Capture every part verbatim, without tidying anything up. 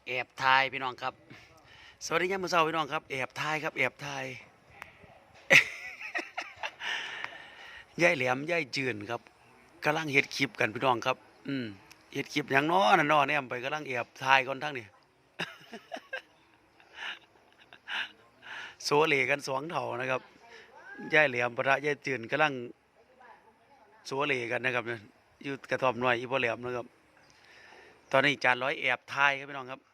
แอบถ่ายพี่น้องครับสวัสดียามมื้อเช้าพี่น้องครับแอบถ่ายครับแอบถ่ายยายแหลมยายจืนครับกำลังเฮ็ดคลิปกันพี่น้องครับอืมเฮ็ดคลิปหยังน้อนั่นน้อแนมไปกำลังแอบถ่ายก่อนทั้งนี้ โซเลกันสองเถ่านะครับยายแหลมปะทะยายจืนกำลังโซเลกันนะครับเนี่ยอยู่กระท่อมน้อยอีพ่อแหลมนะครับตอนนี้จานร้อยแอบถ่ายครับพี่น้องครับ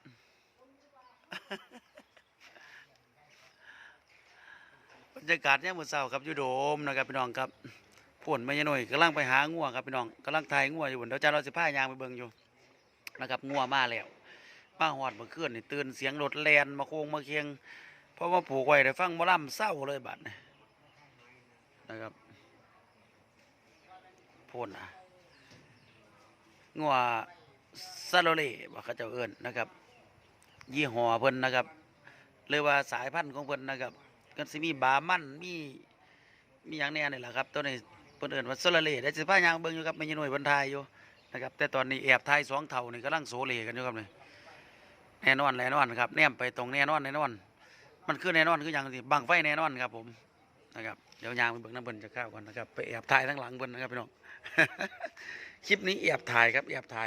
บรรยากาศเนี่ยามมื้อเช้าครับอยู่โดมนะครับพี่น้องครับพ่นไม่ยหน่อยกำลังไปหางัวครับพี่น้องกำลังถ่ายงัวอยู่บนเดี๋ยวจานเราสิพายางไปเบิ่งอยู่นะครับงัวมาแล้วมาหอดเมื่อคืนนี่ตื่นเสียงรถแล่นมาโค้งมาเคียงเพราะว่าผูกไว้ได้ฟังหมอลำเศร้าเลยบัดนี้นะครับพ่นอ่ะงัวซาโลเล่บ่เขาเจ้าเอิ้นนะครับยี่ห้อเพิ่นนะครับเรียกว่าสายพันธุ์ของเพิ่นนะครับก็สิมีบามันมีมีอย่างแน่นี่แหละครับตัวนี้เพิ่นเอิ้นว่าซาโลเล่ได้สิพายางเบิ่งอยู่ครับไม่ใช่หน่วยบรรทายอยู่นะครับแต่ตอนนี้แอบทายสองเท่านี่กำลังโซเลกันอยู่ครับนี่แน่นอนแน่นอนครับแนมไปตรงแน่นอนแน่นอนมันคือแน่นอนคืออย่างที่บังไฟแน่นอนครับผมนะครับเดี๋ยวยางไปเบิ่งน้ำเบิ่นจะเข้าก่อนนะครับไปแอบถ่ายทั้งหลังเบิ่นนะครับพี่น้อง คลิปนี้แอบถ่ายครับแอบถ่าย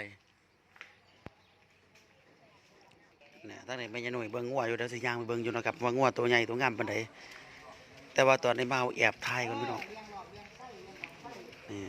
เนี่ยตั้งแต่ไม่ยหน่วยเบิ่งงัวอยู่เดี๋ยวสิยางไปเบิ่งอยู่นะครับว่างัวตัวใหญ่ตัวงามปานใดแต่ว่าตอนนี้มาเอาแอบถ่ายก่อนพี่น้องนี่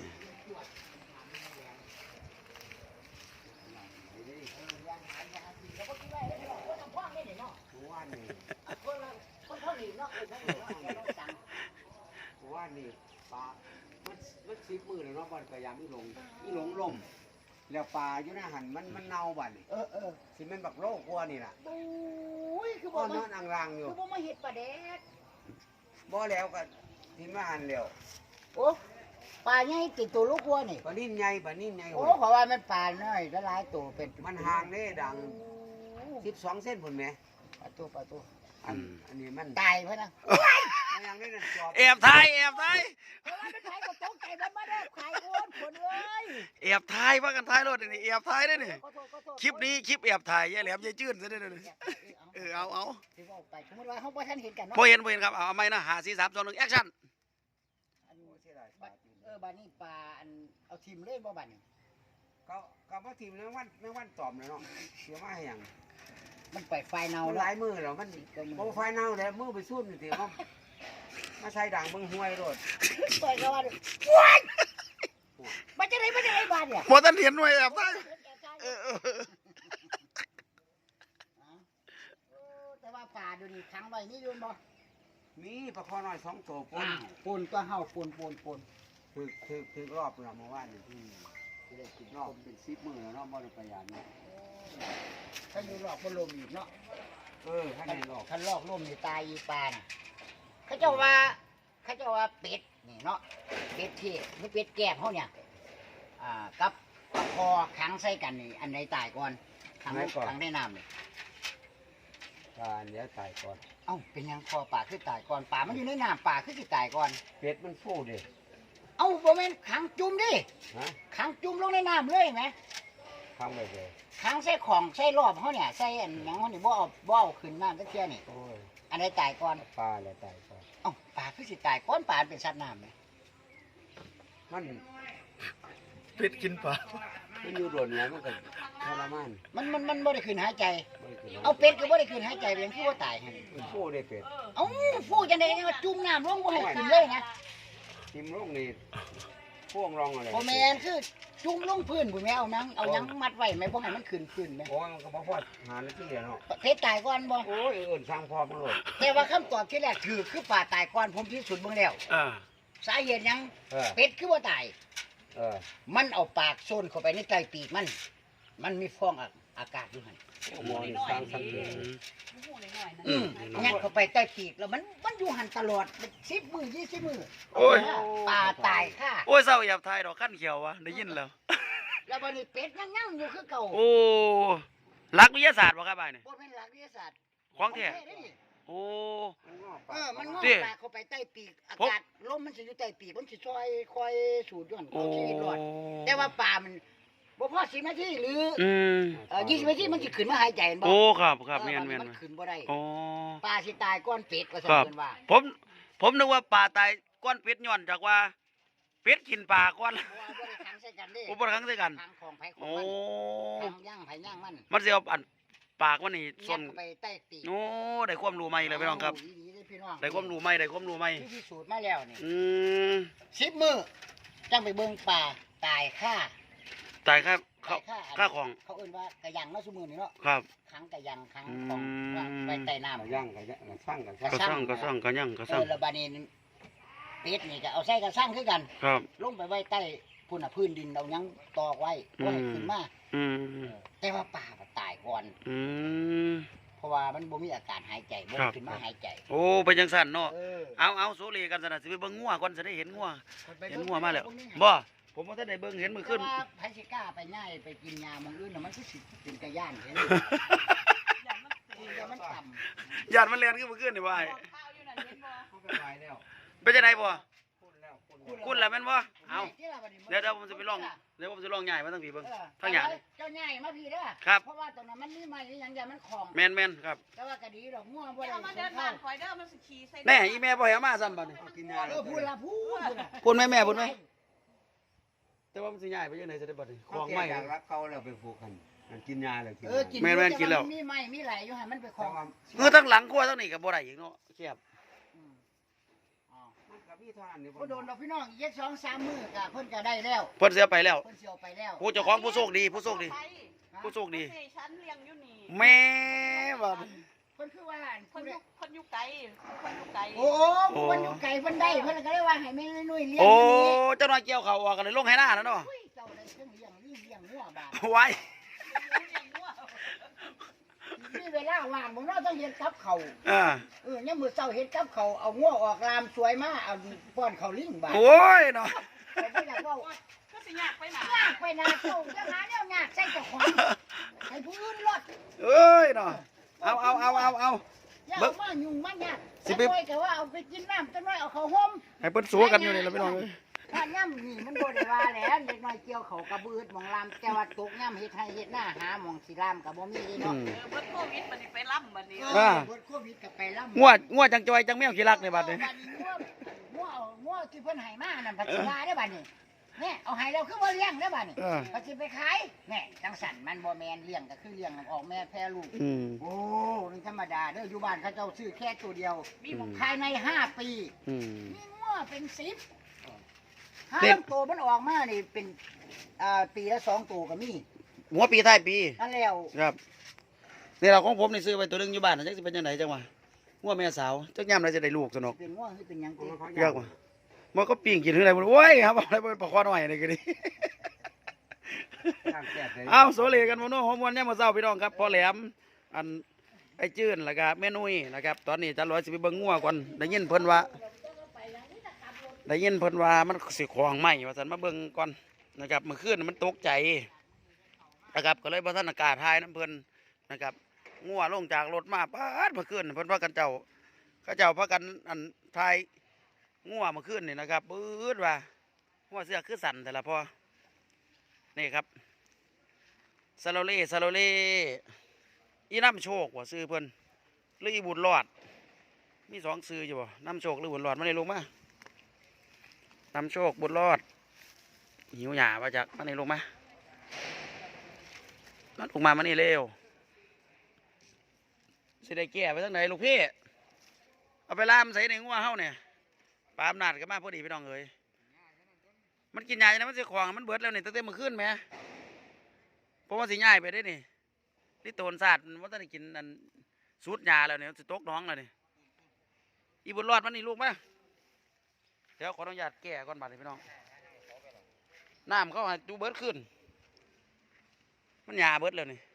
ว่านี่ปลามันมันสิบมือแล้วเนาะบอลพยายามอีหลงอีหลงลมแล้วปลาอยู่ในหันมันมันเน่าบัดนี่เออเออสิมันบักโลกกลัวนี่ล่ะโอ้ยคือบ่ก็นมาอนอังรังอยู่คือบ่มาเฮ็ดปลาแดกบ่แล้วก็ที่มาหันแล้วโอ้ปลาใหญ่ติดตัวลูกวัวนี่ปลานิ่มใหญ่ปลานิ่มใหญ่โอ้เพราะว่ามันปลาน้อยละหลายตัวเป็นมันห่างเด้ดังสิบสองเส้นพุ่นแหมปลาตัวปลาตัวอันอันนี้มันตายเพราะนะมันยังได้นั่นจอบแอบถ่ายแอบถ่ายเพราะว่ามันขายก็ตกใจมันมาได้ขายโอนผลเลยแอบถ่ายว่ากันถ่ายรถนี่แอบถ่ายได้นี่ขอโทษขอโทษคลิปนี้คลิปแอบถ่ายยายแหลมยายจื้นซะได้เลยเออเอาเอาสิบอกไปสมมุติว่าเฮาบ่ทันเห็นกันเนาะพอเห็นพอเห็นครับเอาเอาไหมนะหาสี่สามสองหนึ่งแอคชั่นอันนี้บัดเออบัดนี้ปลาอันเอาทิมเลยบ่บัดนี้ก็ก็บ่ทีมแมงวันแมงวันตอมเลยเนาะเสียมาให้หยังมันไปไฟเนามันหแล้วลายมือแล้วมันบ่ไฟเน่าแล้วมือไปสู้นี่สิเนาะมาใส่ด่างเบิ่งห้วยโลดไปก็ว่าว้ายมันจะได้มันจะได้บาดเนี่ยพอท่านเห็นไว้แอบถ่ายเออเออเออแต่ว่าป่าดูนี่ขังไว้นี่อยืนบ่มีปลาคอน้อยสองตัวปนปูนก็เห่าปูนปูนปูนคือคือคือรอบเราเมื่อวานนี่อืมคือได้กินรอบเป็นสิบมื้อแล้วเนาะบ่ได้ไปยามนี่ถ้าอยู่หลอกบ่ลมอีกเนาะเออให้ได้รอบถ้าลอกลมนี่ตายอีปลาน่ะเขาเจ้าว่าเขาเจ้าว่าเป็ดนี่เนาะเป็ดที่หรือเป็ดแก้มเขาเนี่ยอ่ากับปลาคอขังใส่กันนี่อันใดตายก่อนขังขังในน้ำนี่ปลาเดี๋ยวตายก่อนเอ้าเป็นหยังคอปลาคือตายก่อนปลามันอยู่ในน้ำปลาคือสิตายก่อนเป็ดมันฟูดิเอ้าบ่แม่นขังจุ่มดิฮะขังจุ่มลงในน้ำเลยไหมทำไปเลยขังใส่ของใส่รอบเขาเนี่ยใส่อันหยังเขานี่บ่เอาบ่เอาขึ้นน้ำตะเคียนนี่โอ้ยอันใดตายก่อนปลาแล้วตายก่อนเอ้าปลาคือสิตายก่อนปลาเป็นสัตว์น้ำไหมมันเป็ดกินปลามันอยู่โดนแล้วมันก็ทรมานมันมันมันบ่ได้ขึ้นหายใจบ่ได้กินเอาเป็ดก็บ่ได้ขึ้นหายใจเป็นผู้ว่าตายหั่นมันฟูได้เป็ดเอ้าฟูจังได๋ว่าจุ่มน้ำลงบ่ให้ขึ้นเลยนะทิมลูกนี่พ่วงรองอะไรบ่แม่นคือจุ่มลงพื้นบ่แม่เอาหนังเอาหยังมัดไว้แม่บ่ให้มันขึ้นขึ้นแม่โอ้ยมันก็บ่พอหานาทีแล้วเนาะเป็ดตายก่อนบ่โอ้ยเอิ้นสร้างพอมันโลดแต่ว่าคำตอบที่แรกถือคือปลาตายก่อนผมพิสูจน์เบิ่งแล้วอ่าสาเหตุหยังเออเป็ดคือบ่ตายเออมันเอาปากโซนเข้าไปในใต้ปีกมัน มันมีฟองออากาศอยู่หั่นหมอนี่สร้างสังเกตอืมงัดเข้าไปใต้ปีกแล้วมันมันอยู่หันตลอดสิบมือยี่สิบมือโอ้ยปลาตายค่ะโอ้ยเศร้าแอบถ่ายดอกขั้นเขียววะได้ยินแล้วแล้ววันนี้เป็ดยังยังอยู่คือเก่าโอ้หลักวิทยาศาสตร์บ่ครับบ่ายนี่บ่เป็นหลักวิทยาศาสตร์ของแท้เด้นี่โอ้มันงอกเออมันงอกดิปากเข้าไปใต้ปีกอากาศลมมันสิอยู่ใต้ปีกมันสิซอยคอยสูดย้อนโอ้เอาชีวิตรอดแต่ว่าปลามันบ่พอสิบนาทีหรืออืมเอ่อยี่สิบนาทีมันสิขึ้นมาหายใจบ่โอ้ครับครับเออแม่นแม่นมันขึ้นบ่ได้โอ้ปลาสิตายก้อนเป็ดว่าซั่นครับเพิ่นว่าผมผมนึกว่าปลาตายก้อนเป็ดย้อนจากว่าเป็ดกินปลาก้อนเพราะว่าบ่ได้ขังใส่กันเด้อุปครั้งด้วยกันขังของไผของโอ้มันขังย่างไผย่างมันมันสิเอาอันปากมันนี่ยัส่วนดเข้าไปใต้ตีนโอ้ได้ความรู้ใหม่เลยพี่น้องครับเาดีๆเลยพี่น้องได้ความรู้ใหม่ได้ความรู้ใหม่ที่พิสูจน์มาแล้วนี่อืมสิบมื้อจังไปเบิ่งปลาตายค่าตายค่าข้าตายค่าค่าของเขาเอิ้นว่ากระยังเนาะซุมื้อนี้เนาะครับขังกระยังขังอืมของวางไว้ใต้น้ำก็ย่างก็ย่างสร้างกันก็สร้างก็สร้างก็ยั่งก็เอสร้างอแล้วบาดนี้เป็ดนี่ก็เอาใส่กระสังคือกันครับลงไปไว้ใต้พุ่นน่ะพื้นดินเอาหยังตอกไว้บ่ให้ขึ้นมาอืมเออแต่ว่าป่ามันตายก่อนอืมเพราะว่ามันบ่มีอาการหายใจบ่ครับขึ้นมาหายใจโอ้เป็นจังสั่นเนาะเออเอาเอาโซเลกันสนะสิไปเบิ่งงัวก่อนจะได้เห็นงัวไปเห็นงัวมาแล้วพกนี้บ่ผมว่าถ้าได้เบิ่งเห็นมือขึ้นแต่ว่าไผสิกล้าไปง่ายไปกินยาหมองอื่นน่ะมันคือสิเป็นกระย่านเห็นยามันต่ำญาติมันเรียนขึ้นมือขึ้นนี่บ่ไอ้เขาไปไว้แล้วเป็นจังไดบ่คุณแล้วคุณคุณล่ะแม่นบ่เอาที่ละบัดนี้นเดี๋ยวเดี๋ยวผมจะไปลองเดี๋ยวผมจะลองใหญ่มาตั้งพี่เบิ่งเออทั้งหยาเจ้าใหญ่มาพี่เด้อครับเพราะว่าตรงนั้นมันมีไม้มีหยังยามันของแม่นแม่นครับแต่ว่าก็ดีดอกงัวบ่ได้เอามาเดิเดินนเข้าบ้านคอยเด้อมันสิขี่ใส่แน่อีแม่บ่ให้เอามาซ้ำบัดนี้เอากินยาเออพูดละพูดพูดละพูดไหมแม่พูดไหมแต่ว่ามันสิใหญ่ไปจังได๋สิได้บัดนี้ขขออง งไม่ใหม่อยากรักเขาแล้วไปผูกกันมันกินยาเลยกินเออกินแม่นแม่นกินแล้วมีไม้มีไหลอยู่ให้มันไปขแต่องว่าเออทั้งหลังครัวทั้งนี้ก็บ่ได้อีกเนาะเทียบอืมอ๋อมันก็มีเท่านั้นนี่บ่โดนดอกพี่น้องอีกสองสามมื้อก็เพิ่นก็ได้แล้วเพิ่นเสียไปแล้วเพิ่นสิเอาไปแล้วผู้เจ้าของผู้โชคดีผู้โชคดี ผู้โชคดีนี่ฉันเลี้ยงอยู่นี่แม่บัดเพิ่นคือว่าคผู้นใดอยู่คนอยู่ไกลคนอยู่ไกลโอ้เพิ่นอยู่ไกลเพิ่นได้เพิ่นก็เลยว่าให้แม่นุ่ยเลี้ยงโอ้อยู่นี่เจ้าน้อยเกี่ยวเขาออกกันเลยลงให้หน้าแล้วเนาะอุ้ยเจ้าได้เครื่องเลี้ยงนี่เลี้ยงงัวบาดไว้เลี้ยงวัวมีเวลาว่างบ่เนาะต้องเฮ็ดกับเขาวอ่าเออยามมื้อเช้าเฮ็ดกับเขาวเอางัวออกลามสวยมาเอาป้อนเขาวลิงบาดโอ้ยเนาะไปบ่อยากเว้าก็สิยากไปหนาลากไปนาเจ้าจะหาแนวยากใส่เจ้าของให้ผู้อื่นรอดเอ้ยเนาะเอาเอาเอาเอาเอาอย่าเบิ่เอางมายุ่งมันยากสิสิไปไปก็ว่าเอาไปกินน้ำจังน้อยเอาเขาห่มให้เพิ่นสู้กันอยู่นี่ล่ะพี่น้องเอ้ยถ้าย่ำนี่มันบ่ได้ว่าแหล้วเด็กน้อยเกี่ยวเขากระบืดหมองลามแต่ว่าตกย่ำเฮ็ดให้เฮ็ดหน้าหาหมองสิลามก็บ่มีเนาะอืมเออเบิดโควิดบัดนี้ไปล่ำบัดนี้เออ่าอเบิดโควิดก็ไปลำงัวงัวจังจอยจังแมวขี้รักในบัดนี้บัดนี้งัวงัวเอางัวที่เพิ่นให้มานั่นพัชราได้อบัดนี้แน่เอาให้เราคือบ่เลี้ยงเด้อบัดนี้เออก็สิไปขายแน่จังสั่นมันบ่แม่นเลี้ยงก็คือเลี้ยงออกแม่แพร่ลูกอืมโอ้นี่ธรรมดาเด้ออยู่บ้านเขาเจ้าซื้อแค่ตัวเดียวมีหมองภายในห้าปีอืมมีงัวเป็นสิบห้าเด็กตัวมันออกมานี่เป็นอ่าปีละสองตัวก็มีหัวปีท้ายปีนั่นแล้วครับนี่เราของผมนี่ซื้อไปตัวหนึงอยู่บ้านน่ะจักสิเป็นจังไดจังวะงัวแม่สาวจักยามใดจะได้ลูกสนุกเป็นงัวคือเป็นหยังติเยอะกว่ามันก็ปิ้งกินหรืออะไรบ่รู้โอ้ยครับอะไรเป็นปลาคอหน่อยนี่ก็ดีย่างแซ่บเลยเอาโซเลกันมื้อนู้นฮอมวันยามมื้อเช้าพี่น้องครับพ่อแหลมอันไอ้จื้นแล้วก็แม่นุ้ยนะครับตอนนี้จันร้อยสิไปเบิ่งงัวก่อนได้ยินเพิ่นว่าได้ยินเพิ่นว่ามันสิของใหม่ว่าซั่นมาเบิ่งก่อนนะครับเมื่อคืนมันตกใจนะครับก็เลยบ่ทันอากาศทายน้ำเพิ่นนะครับงัวลงจากรถมาป๊าดเมื่อคืนเพิ่นว่ากันเจ้าเขาเจ้าพากันอันทายงัวเมื่อคืนนี่นะครับปื๊ดว่างัวเสือคือสั่นแต่ละพอนี่ครับซาโลเล่ซาโลเล่อีน้ำโชคว่าซื้อเพิ่นหรืออีบุญรอดมีสองซื้ออยู่บ่น้ำโชคหรือบุญรอดมาในลงมาน้ำโชคบุญรอดหิวหยามาจากมาในลงมามาลงมามานี่เร็วสิได้แก่ไปทั้งไหนลูกพี่เอาไปล่ามใส่ในงัวเฮาเนี่ยปลาอำนาจก็มาพอดีพี่น้องเอ้ยมันกินยาจังนะมันสิของมันเบิดแล้วนี่ตั้งแต่เมื่อคืนแหมเพราะว่าสิง่ายไปได้นี่นี่โตนศาสตร์ว่าต้องได้กินอันสูตรยาแล้วเนี่ยสิตกน้องแล้วนี่อีบุญรอดมันนี่ลูกมาเดี๋ยวขออนุญาตแก้ก่อนบัดนี้พี่น้องน้ำเขาให้ดูเบิดขึ้นมันยาเบิดแล้วนี่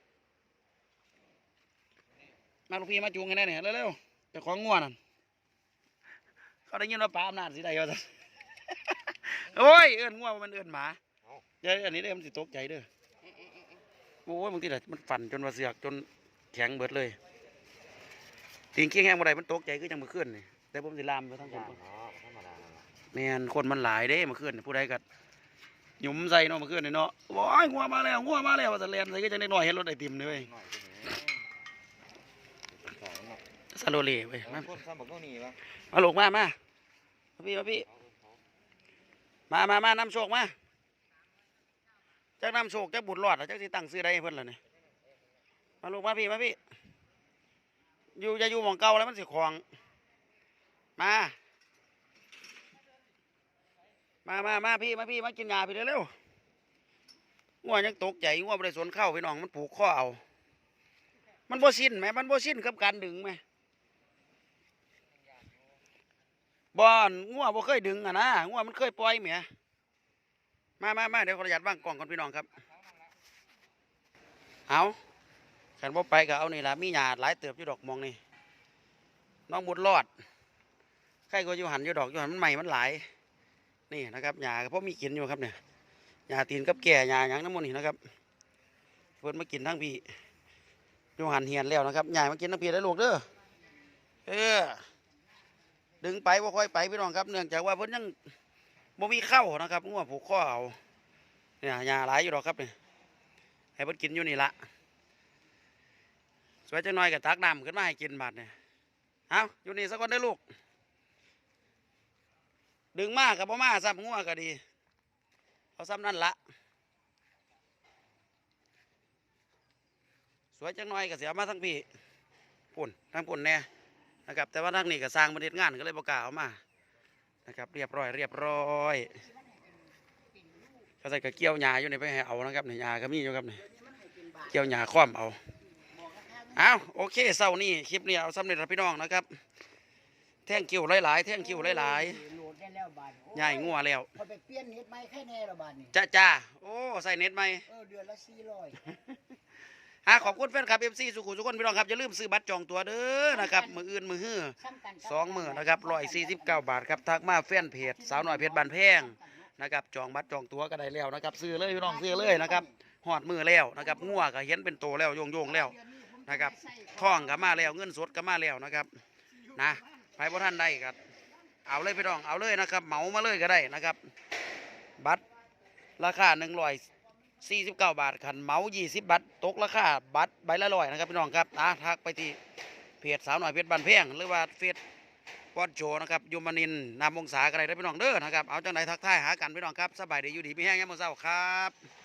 มาลูกพี่มาจูงกันได้เนี่ยเร็วๆเจ้าของง่วนั่นเขาได้ยินว่าปลาอำนาจสิได้เอาซะ โอ้ยเอื้อนง่วมันเอื้อนหมาเดี๋ยวอันนี้เด้อมันสิตกใจเด้อโอ้ยบางทีน่ะมันฝันจนว่าเสือกจนแข็งเบิดเลยติงเคียงแห้งบ่ได้มันตกใจคือจังมื้อคืนนี่แต่ผมสิลามไปทั้งคนแม่นคนมันหลายเด้มื้อคืนนี่ผู้ใดก็หยุมใส่เนาะเมื่อคืนนี่เนาะว้ายงัวมาแล้วงัวมาแล้วว่าจะแล่นใส่ก็จังได้น้อยเห็นรถไอติมนี่เว้ยหน่อยก็เหนื่อยสองเนาะซาโลเล่เว้ยมาคนซ้ำบอกต้องหนีวะมาลูกมามามาพี่มาพี่มามามาน้ำโชคมาจักน้ำโชคจักบุญรอดอะจักสิตั้งซื้อได้ให้เพิ่นล่ะนี่มาลูกมาพี่มาพี่อยู่จะอยู่หม่องเก่าแล้วมันสิคลองมา มามามาพี่มาพี่มากินยาพี่เร็วๆงัวยังตกใจงัวบ่ได้สนเข้าพี่น้องมันผูกข้อเอามันบ่สิ้นไหมมันบ่สิ้นกับการดึงไหมบ่อนงัวบ่เคยดึงอ่ะนะงัวมันเคยปล่อยแหมมามามาเดี๋ยวขออนุญาตวางกล่องก่อนพี่น้องครับเอาขันบ่ไปก็เอานี่ล่ะมีหญ้าหลายเติบอยู่ดอกมองนี่น้องบุญรอดใครก็อยู่หันอยู่ดอกอยู่หันมันใหม่มันหลายนี่นะครับหญ้าก็พอมีกินอยู่ครับเนี่ยหญ้าตีนกับแก่หญ้าหยังน้ำมันนี่นะครับเพิ่นมากินทั้งพี่อยู่หันเหียนแล้วนะครับหญ้ามากินทั้งพี่ได้ลูกเด้อเออดึงไปบ่ค่อยไปพี่น้องครับเนื่องจากว่าเพิ่นยังบ่มีเข้านะครับงัวผูกข้อเอาเนี่ยหญ้าหลายอยู่ดอกครับเนี่ยให้เพิ่นกินอยู่นี่ละสวยจังหน่อยก็ตักน้ำขึ้นมาให้กินบาดเนี่ยเอาอยู่นี่สักคนได้อลูกดึงมากกับพ่อมาซ้ำงัวก็ดีเอาซ้ำนั่นละสวยจังหน่อยก็เสียมาทั้งพี่ปุ่นทั้งปุ่นแน่นะครับแต่ว่าทั้งนี้ก็สร้างบริษัทงานก็เลยประกล้าศเอามานะครับเรียบร้อยเรียบร้อยเขาใส่กระเกี่ยวหญ้าอยู่ในไปให้เอานะครับในหญ้าก็มีอยู่ครับนี่เกี่ยวหญ้าคว่ำเอาเอาโอเคเศร้านี่คลิปนี้เอาสำเร็จแล้วพี่น้องนะครับแท่งคิวหลายๆแท่งคิวหลายๆโหลดได้แล้วบาดนี้ใหญ่งัวแล้วพอไปเปลี่ยนเน็ตใหม่แค่แน่ละบาดนี้จ้าจ้าโอ้ใส่เน็ตไหมเออเดือนละสี่ร้อยฮะขอบคุณแฟนคลับเอฟซีสุขุมสุขคนพี่น้องครับอย่าลืมซื้อบัตรจองตัวเด้อนะครับมืออื่นมือฮื้อซ้ำกันกับสองมือนะครับร้อยสี่สิบเก้าบาทครับทักมาแฟนเพจสาวหน่อยเพจบานแพงนะครับจองบัตรจองตัวก็ได้แล้วนะครับซื้อเลยพี่น้องซื้อเลยนะครับหอดมือแล้วนะครับงัวก็เห็นเป็นโตแล้วโยงโยงๆแล้วนะครับท้องก็มาแล้วเงินสดก็มาแล้วนะครับนะไปพระท่านได้ครับเอาเลยพี่น้องเอาเลยนะครับเหมามาเลยก็ได้นะครับบัตรราคาหนึ่งร้อยสี่สิบเก้าบาทขันเหมายี่สิบบัตรตกราคาบัตรใบละร้อยนะครับพี่น้องครับนะทักไปที่เพจสาวหน่อยเพจบานแพงหรือว่าเฟซวอดโจนะครับยูมานินนามวงศาก็ได้พี่น้องเด้อนะครับเอาจังไหนทักทายหากันพี่น้องครับสบายดีอยู่ดีพี่แห้งยามมื้อเช้าครับ